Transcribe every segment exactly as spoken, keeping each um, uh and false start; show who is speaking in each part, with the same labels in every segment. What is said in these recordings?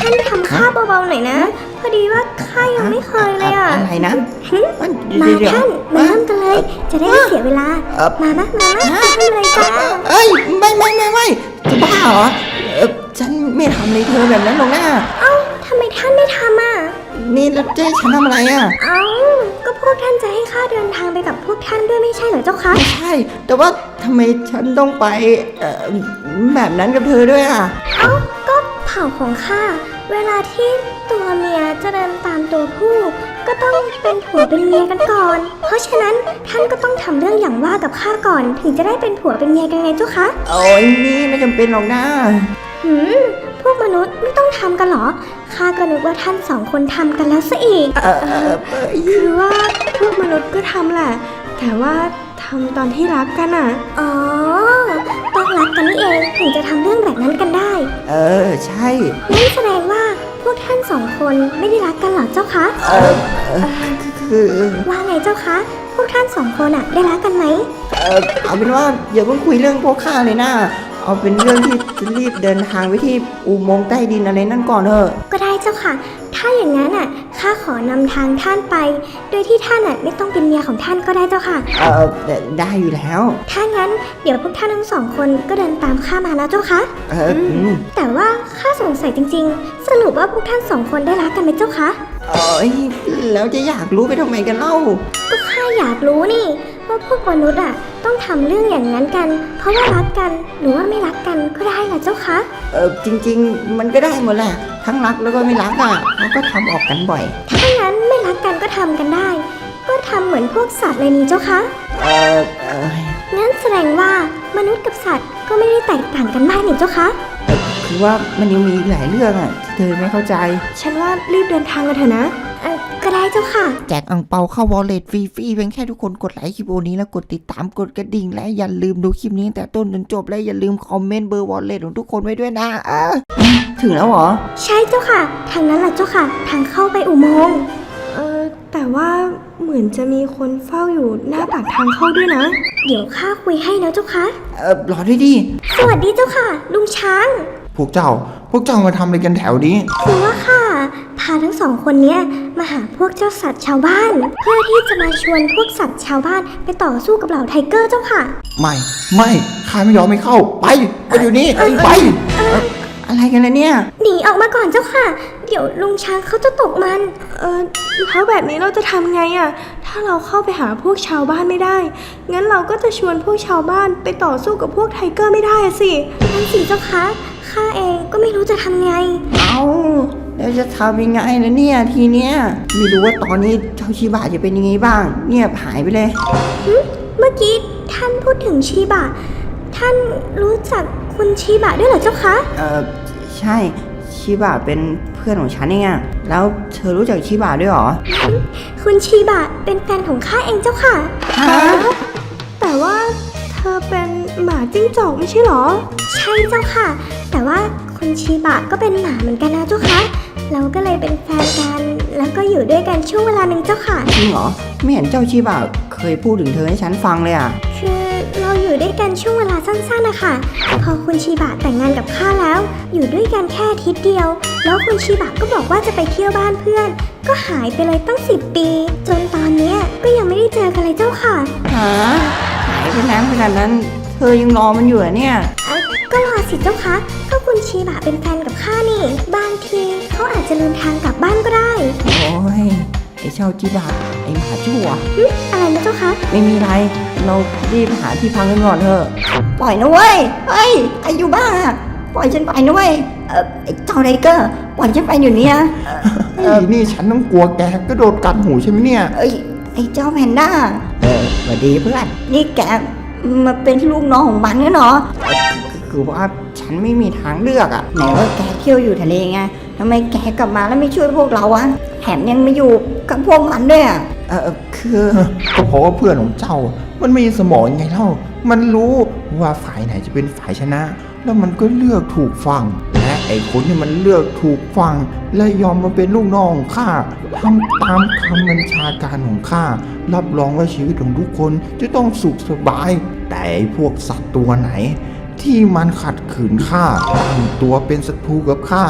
Speaker 1: ท่านทำข้าเบาๆหน่อยนะพอดีว่าข้ายังไม่เคยเลยอ่ะ
Speaker 2: อะไรนะ
Speaker 1: มาท่านมาเริ่มกันเลยจะได้ไม่เสียเวลามานะมานะทำอะไรกัน
Speaker 2: เอ้ยไม่ไม่ไม่ไม่จะบ้าเหรอฉันไม่ทำเลยเธอแบบนั้นหรอกนะ
Speaker 1: เอ้าทำไมท่านไม่ทำอ่ะ
Speaker 2: นี่แล้วจะให้ฉันทำอะไรอ่ะ
Speaker 1: เอ้าก็พวกท่านจะให้ข้าเดินทางไปกับพวกท่านด้วยไม่ใช่เหรอเจ้าคะ
Speaker 2: ไม่ใช่แต่ว่าทำไมฉันต้องไปแบบนั้นกับเธอด้วยอ่ะ
Speaker 1: เอ้าก็เผ่าของข้าเวลาที่ตัวเมียจะเดินตามตัวผู้ก็ต้องเป็นผัวเป็นเมียกันก่อนเพราะฉะนั้นท่านก็ต้องทำเรื่องอย่างว่ากับข้าก่อนถึงจะได้เป็นผัวเป็นเมียกันไงเจ้าคะ
Speaker 2: โอ้ยนี่ไม่จำเป็นหรอกนะ
Speaker 1: หืมพวกมนุษย์ไม่ต้องทำกันหรอข้าก็นึกว่าท่านสองคนทำกันแล้วซะอีก
Speaker 2: เออเออ
Speaker 3: คือว่าพวกมนุษย์ก็ทำแหละแต่ว่าทำตอนที่รักกันอ่ะ
Speaker 1: อ๋อต้องรักกันนี่เองถึงจะทำเรื่องแบบนั้นกันได้
Speaker 2: เออใช่
Speaker 1: นั่นแสดงว่าพวกท่านสองคนไม่ได้รักกันหรอเจ้าคะ
Speaker 2: เออคือ
Speaker 1: ว่าไงเจ้าคะพวกท่านสองคนอะได้รักกันไหม
Speaker 2: เออเอาเป็นว่าอย่าเพิ่งคุยเรื่องพวกข้าเลยนะเอาเป็นเรื่องที่จะรีบเดินทางไปที่อุโมงค์ใต้ดินอะไรนั่นก่อนเถอะ
Speaker 1: ก็ได้เจ้าค่ะถ้าอย่างนั้นอ่ะข้าขอนำทางท่านไปโดยที่ท่านอ่ะไม่ต้องเป็นเมียของท่านก็ได้เจ้าค่ะ
Speaker 2: เออได้อยู่แล้ว
Speaker 1: ถ้างั้นเดี๋ยวพวกท่านทั้งสองคนก็เดินตามข้ามานะเจ้าค่ะ
Speaker 2: เออ
Speaker 1: แต่ว่าข้าสงสัยจริงๆสรุปว่าพวกท่านสองคนได้รักกันไหมเจ้าคะ
Speaker 2: เอ้ยแล้วจะอยากรู้ไปทำไมกันเล่า
Speaker 1: ก็ข้าอยากรู้นี่ว่าพวกมนุษย์อ่ะต้องทำเรื่องอย่างนั้นกันเพราะว่ารักกันหรือว่าไม่รักกันก็ได้เหรอเจ้าคะ
Speaker 2: เออจริงๆมันก็ได้หมดแหละทั้งรักแล้วก็ไม่รักอ่ะเขาก็ทำออกกันบ่อย
Speaker 1: ถ้างั้นไม่รักกันก็ทำกันได้ก็ทำเหมือนพวกสัตว์เลยนี่เจ้าคะ
Speaker 2: เออเออ
Speaker 1: งั้นแสดงว่ามนุษย์กับสัตว์ก็ไม่ได้แตกต่างกันมากนี่เจ้าคะ
Speaker 2: คือว่ามันยังมีอีกหลายเรื่องอ่ะที่เธอไม่เข้าใจ
Speaker 3: ฉันว่ารีบเดินทางกันเถอะนะ
Speaker 1: ก็ได้เจ้าค่ะ
Speaker 2: แจกอังเปาเข้าวอลเล็ตฟรีๆเพียงแค่ทุกคนกดไลค์คลิปโอนี้แล้วกดติดตามกดกระดิ่งและอย่าลืมดูคลิปนี้แต่ต้นจนจบและอย่าลืมคอมเมนต์เบอร์วอลเล็ตของทุกคนไว้ด้วยนะอ่ะถึงแล้วเหรอ
Speaker 1: ใช่เจ้าค่ะทางนั้นแหละเจ้าค่ะทางเข้าไปอุโมงค์
Speaker 3: เออแต่ว่าเหมือนจะมีคนเฝ้าอยู่หน้าปากทางเข้าด้วยนะ
Speaker 1: เดี๋ยวข้าคุยให้นะเจ้าค่ะ
Speaker 2: เออรอด้วยดิ
Speaker 1: สวัสดีเจ้าค่ะลุงช้าง
Speaker 4: พวกเจ้าพวกเจ้ามาทำอะไรกันแถวนี้
Speaker 1: คือว่าค่ะพาทั้งสองคนเนี้ยมาหาพวกเจ้าสัตว์ชาวบ้านเพื่อที่จะมาชวนพวกสัตว์ชาวบ้านไปต่อสู้กับเหล่าไทเกอร์เจ้าค่ะ
Speaker 4: ไม่ไม่ข้าไม่ยอมไม่เข้าไปไปอยู่นี่ไป
Speaker 2: อะไรกันล่ะเนี่ย
Speaker 1: หนีออกมาก่อนเจ้าค่ะเดี๋ยวลุงช้างเขาจะตกมัน
Speaker 3: เออแล้วแบบนี้เราจะทำไงอะถ้าเราเข้าไปหาพวกชาวบ้านไม่ได้งั้นเราก็จะชวนพวกชาวบ้านไปต่อสู้กับพวกไทเกอร์ไม่ได้สิ
Speaker 1: นั่นสิเจ้าค่ะข้าเองก็ไม่รู้จะทำไง
Speaker 2: เอาแล้วจะทำยังไงล่ะเนี่ยทีเนี้ยไม่รู้ว่าตอนนี้เจ้าชิบะจะเป็นยังไงบ้างเงียบหายไปเลย
Speaker 1: เมื่อกี้ท่านพูดถึงชิบะท่านรู้จักคุณชิบะด้วยเหรอเจ้าคะ
Speaker 2: เออใช่ชิบะเป็นเพื่อนของฉันเองอะแล้วเธอรู้จักชิบะด้วยหรอ
Speaker 1: คุณชิบะเป็นแฟนของข้าเองเจ้าค่ะ
Speaker 2: ฮะ
Speaker 3: แต่ว่าเธอเป็นหมาจิ้งจอกไม่ใช่หรอ
Speaker 1: ใช่เจ้าค่ะแต่ว่าคุณชิบะก็เป็นหมาเหมือนกันนะเจ้าค่ะเราก็เลยเป็นแฟนกันแล้วก็อยู่ด้วยกันช่วงเวลาหนึ่งเจ้าค่ะ
Speaker 2: จริงเหรอไม่เห็นเจ้าชิบะเคยพูดถึงเธอให้ฉันฟังเลยอะ
Speaker 1: คือเราอยู่ด้วยกันช่วงเวลาสั้นๆนะคะพอคุณชิบะแต่งงานกับข้าแล้วอยู่ด้วยกันแค่อาทิตย์เดียวแล้วคุณชิบะก็บอกว่าจะไปเที่ยวบ้านเพื่อนก็หายไปเลยตั้งสิบปีจนตอนนี้ก็ยังไม่ได้เจอกันเลยเจ้าค่ะ
Speaker 2: ฮะหายไปนานขนาดนั้นเธอยังรอมันอยู่อะเนี่ย
Speaker 1: ก็รอสิเจ้าคะก็คุณชิบะเป็นแฟนกับข้านี่บางทีเขาอาจจะเดินทางกลับบ้านก็ได้
Speaker 2: โอ้ยไอ้เจ้าชิบะไอ้หมาชั่ว
Speaker 1: อะไรนะเจ้าคะ
Speaker 2: ไม่มีอะไรเรารีบหาที่พักกันก่อนเถอะปล่อยนะเว้ยเฮ้ยไอ้อยู่บ้าปล่อยฉันไปนะเว้ยเออไอ้เจ้าไทเกอร์ปล่อยฉันไปอยู่เนี่ย
Speaker 4: เออนี่ฉันต้องกลัวแกก็โดนกัดหูใช่ไหมเนี่ย
Speaker 2: เอ้ยไอ้เจ้าแพนด้าเออสวัสดีเพื่อนนี่แกมาเป็นลูกน้องของมันเนี่ยเนาะคือว่าฉันไม่มีทางเลือกอะไหนว่าแกเที่ยวอยู่ทะเลไงทำไมแกกลับมาแล้วไม่ช่วยพวกเราอะแถมยังมาอยู่กับพวกมันด้วยอะเออคือ
Speaker 4: ก็เพราะว่าเพื่อนของเจ้ามันมีสมองไงเล่ามันรู้ว่าฝ่ายไหนจะเป็นฝ่ายชนะแล้วมันก็เลือกถูกฟังและไอ้คนที่มันเลือกถูกฟังและยอมมาเป็นลูกน้องของข้าทำตามคำบัญชาการของข้ารับรองว่าชีวิตของทุกคนจะต้องสุขสบายแต่พวกสัตว์ตัวไหนที่มันขัดขืนข้าตั้งตัวเป็นศัตรูกับข้า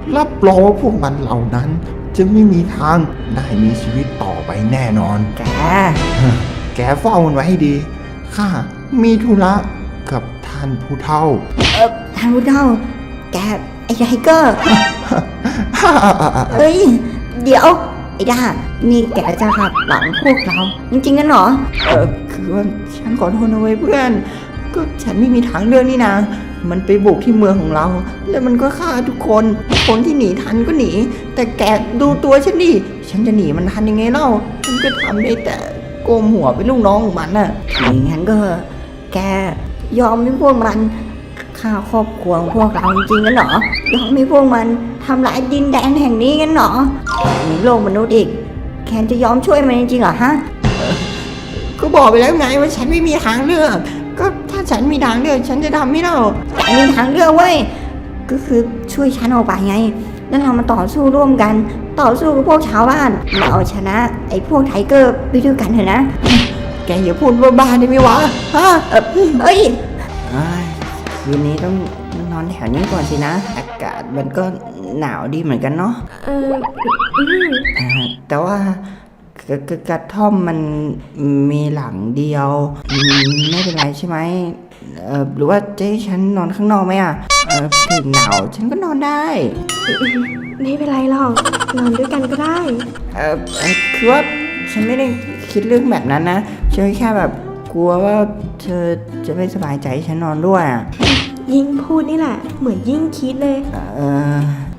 Speaker 4: รับรองว่าพวกมันเหล่านั้น จะไม่มีทางได้มีชีวิตต่อไปแน่นอน
Speaker 2: แก
Speaker 4: แกเฝ้ามันไว้ให้ดี ข้ามีธุระกับท่านผู้เฒ่า
Speaker 2: เออทางผู้เฒ่าแกไอ้ไทเกอร์ เฮ้ย เดี๋ยว ไอ้ด้านี่แกจะขับหลังพวกเรา จริงๆกันเหรอ เออคือว่าฉันขอโทษนะเว้ยเพื่อน ก็ฉันไม่มีทางเลือกนี่นะ มันไปบุกที่เมืองของเรา แล้วมันก็ฆ่าทุกคน คนที่หนีทันก็หนี แต่แกดูตัวฉันดิ ฉันจะหนีมันทันยังไงเล่า ฉันก็ทำได้แต่โกมหัวเป็นลูกน้องของมันน่ะอย่างนั้นก็ แกยอมให้พวกมันฆ่าครอบครัวของพวกเราจริงๆกันเหรอ ยอมให้พวกมันทำลายดินแดนแห่งนี้กันเหรอมีโลกมนุษย์อีก แคนจะยอมช่วยมันจริงๆเหรอฮะ ก็บอกไปแล้วไงว่าฉันไม่มีทางเลือก ก็ถ้าฉันมีทางเลือกฉันจะทำไม่เล่าแต่มีทางเลือกเว้ย ก็คือช่วยฉันออกไปไง แล้วเรามาต่อสู้ร่วมกัน ต่อสู้กับพวกชาวบ้านมาเอาชนะไอ้พวกไทเกอร์ไปด้วยกันเถอะนะ แกอย่าพูดบ้าๆได้ไหมวะ ฮะ เออเอ้ยคืนนี้ต้องนอนแถวนี้ก่อนสินะ อากาศมันก็หนาวดีเหมือนกันเนาะ
Speaker 3: เอออืม
Speaker 2: อ่าแต่ว่ากระกระกระท่อมมันมีหลังเดียวอืมไม่เป็นไรใช่ไหมเออหรือว่าจะให้ฉันนอนข้างนอกไหมอ่ะเออถึงหนาวฉันก็นอนได้
Speaker 3: ไม่เป็นไรหรอก นอนด้วยกันก็ได้
Speaker 2: เออเอ่อคือว่าฉันไม่ได้คิดเรื่องแบบนั้นนะฉันแค่แบบกลัวว่าเธอจะไม่สบายใจให้ฉันนอนด้วยอ่ะ
Speaker 3: ยิ่งพูดนี่แหละ เหมือนยิ่งคิดเลย
Speaker 2: เออ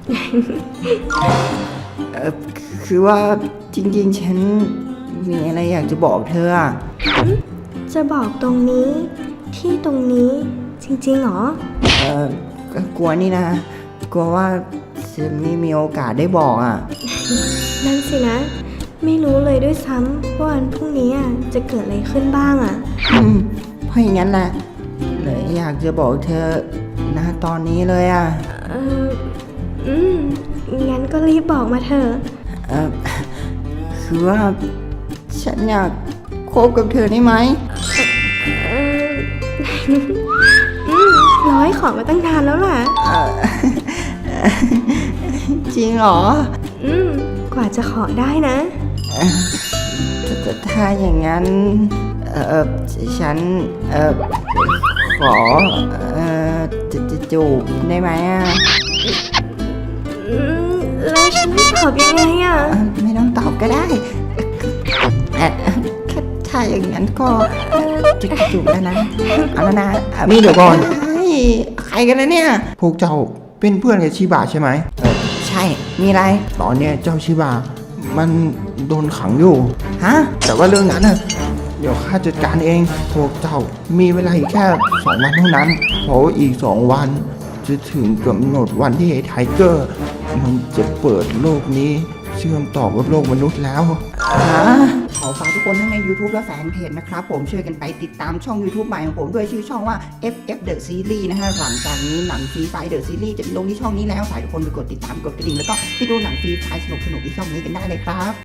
Speaker 2: เออคือว่าจริงๆฉันมีอะไรอยากจะบอกเธออ่ะ
Speaker 3: จะบอกตรงนี้ ที่ตรงนี้ จริงๆเหรอ
Speaker 2: เออก็กลัวนี่นะ กลัวว่าจะไม่มีโอกาสได้บอกอ่ะ
Speaker 3: นั่นสินะ ไม่รู้เลยด้วยซ้ำว่าวันพรุ่งนี้อ่ะจะเกิดอะไรขึ้นบ้างอ่ะ
Speaker 2: อืมเพราะอย่างนั้นแหละเลยอยากจะบอกเธอณตอนนี้เลยอ่ะ
Speaker 3: เอออืม งั้นก็รีบบอกมาเถอะ
Speaker 2: เออคือว่าฉันอยากคบกับเธอได้ไหม
Speaker 3: เออ อืมร้อยขอมาตั้งนานแล้วล่ะ
Speaker 2: เอ่อ จริงเหรอ
Speaker 3: อืม กว่าจะขอได้นะ
Speaker 2: ถ้าถ้าอย่างนั้นเออฉันเออขอเออจะจะจูบได้ไหมอ่ะ
Speaker 3: อืม แล้วฉันต้องตอบยังไงอ่ะ
Speaker 2: เอ่อไม่ต้องตอบก็ได้เอ่อถ้าถ้าอย่างนั้นก็จะจูบแล้วนะเอาแล้วนะอ่ะ
Speaker 4: นี่เดี๋ยวก่อน
Speaker 2: เฮ้ยใครกันนะเนี่ย
Speaker 4: พวกเจ้าเป็นเพื่อนกับชิบะใช่ไหม
Speaker 2: เออใช่มีอะไร
Speaker 4: ตอนเนี้ยเจ้าชิบะมันโดนขังอยู่
Speaker 2: ฮะ
Speaker 4: แต่ว่าเรื่องนั้นน่ะเดี๋ยวข้าจัดการเอง พวกเจ้ามีเวลาอีกแค่สองวันเท่านั้น เพราะว่าอีกสองวัน จะถึงกำหนดวันที่ไอ้ไทเกอร์ มันจะเปิดโลกนี้ เชื่อมต่อกับโลกมนุษย์แล้ว
Speaker 2: ขอฝากทุกคนทั้งใน YouTube และแฟนเพจนะครับผมช่วยกันไปติดตามช่อง YouTube ใหม่ของผมด้วยชื่อช่องว่า เอฟ เอฟ The Series นะฮะหลังจากนี้หนังฟรีไฟ The Series จะลงที่ช่องนี้แล้วฝากทุกคนไปกดติดตามกดกระดิ่งแล้วก็ไปดูหนังฟรีไฟสนุกๆที่ช่องนี้กันได้เลยครับ